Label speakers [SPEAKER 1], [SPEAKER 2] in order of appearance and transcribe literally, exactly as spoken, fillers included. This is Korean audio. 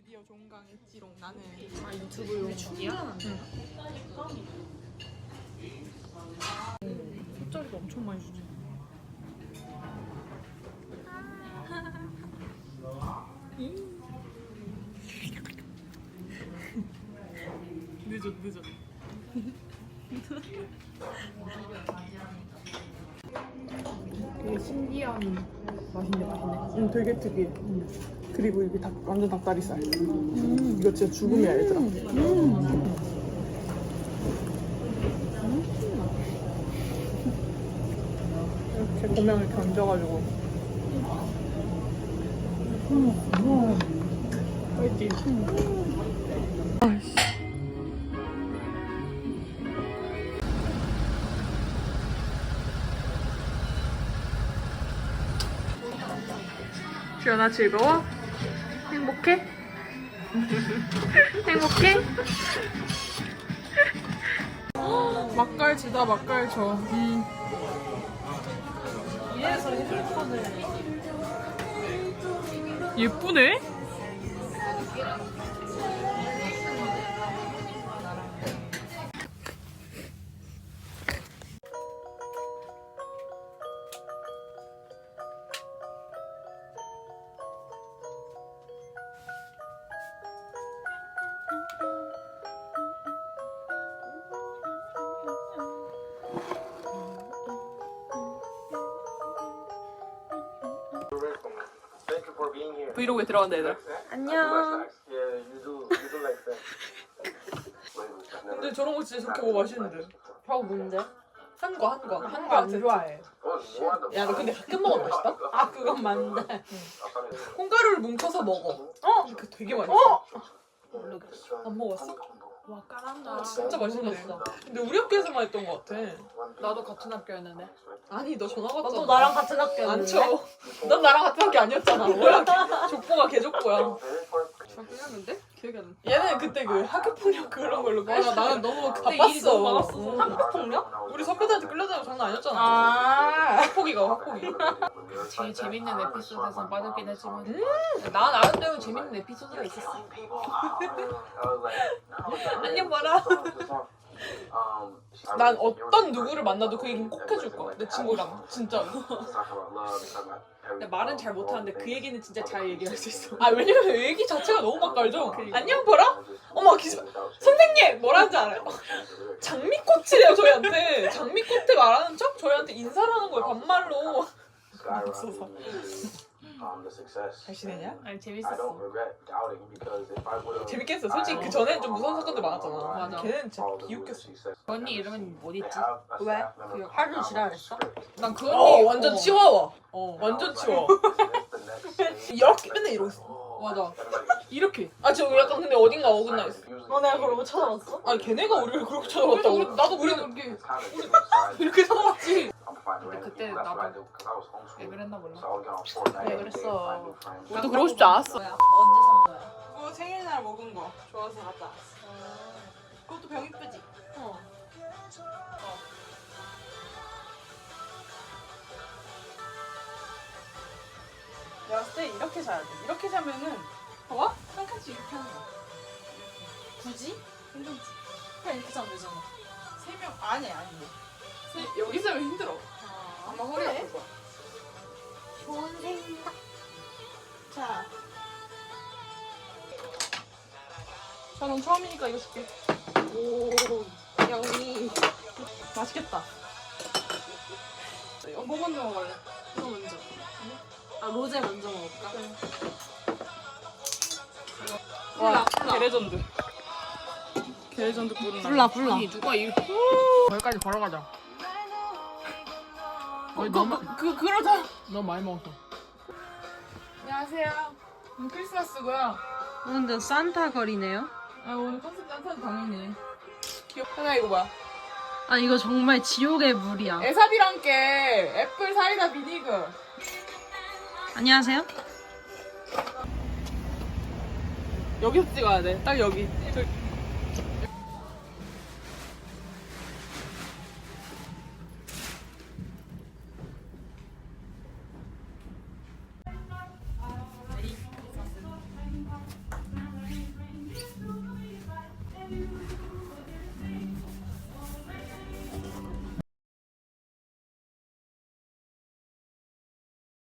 [SPEAKER 1] 드디어 종강했지롱. 나는
[SPEAKER 2] 아 유튜브용 중이야?
[SPEAKER 1] 응. 돗자리도 엄청 많이 주지. 늦어 늦어.
[SPEAKER 2] 되게 신기한 맛인데 맛있네.
[SPEAKER 1] 응, 되게 특이해. 응. 그리고 여기 닭, 완전 닭다리살. 음. 이거 진짜 죽음이야, 얘들아. 음. 이렇게 고명을 이렇게 얹어가지고. 음. 맛있지? 음. 아이씨. 주연아 즐거워? 행복해? 행복해? 막갈치다 막갈쳐. 음.
[SPEAKER 2] 위에서 핸드폰을
[SPEAKER 1] 예쁘네? 브이로그에 들어간다 얘들아. 안녕. 근데 저런 거 진짜 저렇게 먹어 맛있는데.
[SPEAKER 2] 벽 문제?
[SPEAKER 1] 한거 한 거. 한 거
[SPEAKER 2] 안
[SPEAKER 1] 안 좋아.
[SPEAKER 2] 좋아해.
[SPEAKER 1] 야 너 근데 가끔 먹으면 맛있다?
[SPEAKER 2] 아 그건 맞는데.
[SPEAKER 1] 콩가루를 뭉쳐서 먹어. 어? 그 되게 맛있어.
[SPEAKER 2] 모르겠어.
[SPEAKER 1] 안 먹었어?
[SPEAKER 2] 와 까란다.
[SPEAKER 1] 진짜 맛있네.
[SPEAKER 2] 모르겠어.
[SPEAKER 1] 근데 우리 학교에서만 했던 거 같아.
[SPEAKER 2] 나도 같은 학교였는데.
[SPEAKER 1] 아니 너 전화 왔잖아.
[SPEAKER 2] 너도 나랑 같은 학교였는데.
[SPEAKER 1] 안 쳐. 넌 나랑 같은 학교 아니었잖아. 뭐야? 족보가 개족보야.
[SPEAKER 2] 학교였는데? 기억이 안 나.
[SPEAKER 1] 얘는 그때 그 학교 폭력 그런 걸로. 몰라 나는 너무
[SPEAKER 2] 근데 일이
[SPEAKER 1] 바빴어.
[SPEAKER 2] 너무 많았어.
[SPEAKER 1] 응.
[SPEAKER 2] 학교 폭력?
[SPEAKER 1] 우리 선배들한테 끌려다니고 장난 아니었잖아.
[SPEAKER 2] 아.
[SPEAKER 1] 학폭이가 학폭이.
[SPEAKER 2] 제일 재밌는 에피소드에서 빠졌긴 했지만.
[SPEAKER 1] 음.
[SPEAKER 2] 나 나름대로 재밌는 에피소드가 있었어.
[SPEAKER 1] 안녕 봐라. 난 어떤 누구를 만나도 그 얘기는 꼭 해줄 거야. 내 친구랑 진짜.
[SPEAKER 2] 근데 말은 잘 못하는데 그 얘기는 진짜 잘 얘기할 수 있어.
[SPEAKER 1] 아 왜냐면 얘기 자체가 너무 맛깔죠.
[SPEAKER 2] 그러니까.
[SPEAKER 1] 안녕 봐라. 어머 기사 선생님 뭐라는지 알아요? 장미꽃이래요 저희한테. 장미꽃에 말하는 척 저희한테 인사를 하는 거예요 반말로. 없어서. 잘 지내냐?
[SPEAKER 2] 아니 재밌었어.
[SPEAKER 1] 재밌게 했어. 솔직히 그 전엔 좀 무서운 사건들 많았잖아.
[SPEAKER 2] 맞아.
[SPEAKER 1] 걔는 진짜 비웃겼어.
[SPEAKER 2] 그 언니 이름은 뭐 있지?
[SPEAKER 1] 왜?
[SPEAKER 2] 그 하루 지랄했어? 난 그
[SPEAKER 1] 어
[SPEAKER 2] 언니
[SPEAKER 1] 완전
[SPEAKER 2] 어.
[SPEAKER 1] 치워워.
[SPEAKER 2] 어
[SPEAKER 1] 완전 치워. 이렇게 맨날 이러고 있어.
[SPEAKER 2] 맞아.
[SPEAKER 1] 이렇게. 아 지금 약간 근데 어딘가 어긋나 있어.
[SPEAKER 2] 너 내가 그걸 못 찾아봤어?
[SPEAKER 1] 아니 걔네가 우리를 그렇게 찾아봤다고.
[SPEAKER 2] 우리, 나도
[SPEAKER 1] 우리는
[SPEAKER 2] 그렇게
[SPEAKER 1] 이렇게 찾아봤지.
[SPEAKER 2] 근데 그때 나도 왜 그랬나 몰라.
[SPEAKER 1] 왜 그랬어?
[SPEAKER 2] 나도
[SPEAKER 1] 그러고 싶지 않았어.
[SPEAKER 2] 언제 산 거야?
[SPEAKER 1] 그거 생일날 먹은 거 좋아서 갖다 왔어. 그것도 병 이쁘지? 어. 내가 봤을 때 이렇게 자야 돼. 이렇게 자면은 봐봐? 한 칸씩 이렇게 하는 거야.
[SPEAKER 2] 굳이?
[SPEAKER 1] 괜찮지?
[SPEAKER 2] 그냥 이렇게 자면 되잖아.
[SPEAKER 1] 세 명 아니 아니. 세, 여기 있으면 힘들어. 아마 허리
[SPEAKER 2] 그래?
[SPEAKER 1] 아플 거야.
[SPEAKER 2] 좋은 생각.
[SPEAKER 1] 자. 자, 넌 처음이니까 이거 줄게.
[SPEAKER 2] 오, 영미.
[SPEAKER 1] 맛있겠다. 어, 뭐 먼저 먹을래?
[SPEAKER 2] 이거 먼저. 아, 로제 먼저 먹을까?
[SPEAKER 1] 와,
[SPEAKER 2] 불라.
[SPEAKER 1] 게레전드. 게레전드 뿌른
[SPEAKER 2] 불라, 불라. 아니, 누가 이.
[SPEAKER 1] 여기까지 걸어가자.
[SPEAKER 2] 어, 너무. 그, 그러자.
[SPEAKER 1] 너무 많이 먹었어. 안녕하세요. 오늘 크리스마스고요.
[SPEAKER 3] 오늘 산타 거리네요.
[SPEAKER 1] 아, 오늘 컨셉 짠타도 당연히. 귀엽. 하나 이거 뭐야?
[SPEAKER 3] 아 이거 정말 지옥의 물이야.
[SPEAKER 1] 에사비랑 함께 애플 사이다 비니그.
[SPEAKER 3] 안녕하세요.
[SPEAKER 1] 여기서 찍어야 돼. 딱 여기. 저,